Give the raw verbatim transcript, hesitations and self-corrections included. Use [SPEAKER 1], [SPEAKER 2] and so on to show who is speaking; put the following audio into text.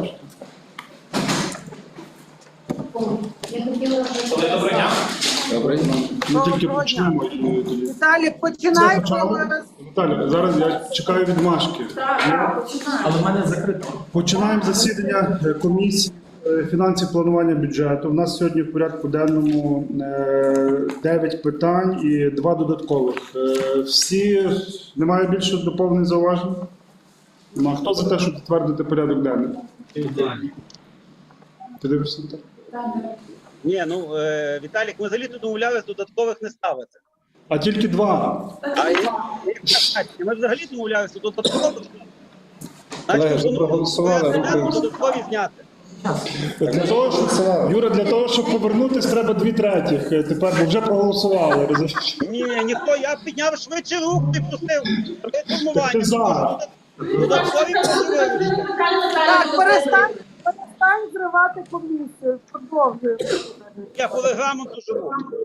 [SPEAKER 1] бачите.
[SPEAKER 2] Доброго дня.
[SPEAKER 1] Добре. Ми тільки почнемо. і тоді.
[SPEAKER 3] Віталік, починай.
[SPEAKER 1] Це почали? Віталій, зараз я чекаю відмашки.
[SPEAKER 2] Але в мене закрито.
[SPEAKER 1] Починаємо засідання е, комісії е, фінансів планування бюджету. У нас сьогодні в порядку денному е, дев'ять питань і два додаткових. Е, Всі, немає більше доповнень зауважень? Нема. Хто за те, щоб затвердити порядок денний? Ти дивишся на те?
[SPEAKER 4] Ні, ну е, Віталік, ми взагалі тут домовлялись додаткових не ставити.
[SPEAKER 1] А тільки два.
[SPEAKER 4] А і- і- ми взагалі домовлялися додаткових.
[SPEAKER 5] Колеги, вже
[SPEAKER 4] ну,
[SPEAKER 5] проголосували,
[SPEAKER 4] ми
[SPEAKER 5] рухаємося.
[SPEAKER 4] додаткові зняти.
[SPEAKER 1] Для того, щоб, Юра, для того, щоб повернутися, треба дві третіх. Е, Тепер, бо вже проголосували. розумієш?
[SPEAKER 4] Ні, ніхто, я підняв швидше рух і пустив.
[SPEAKER 1] Так ти за.
[SPEAKER 4] Додаткові прошу вибачте.
[SPEAKER 3] Так, перестань, перестань зривати комісію. Продовжуй.
[SPEAKER 4] Я по регламенту живу.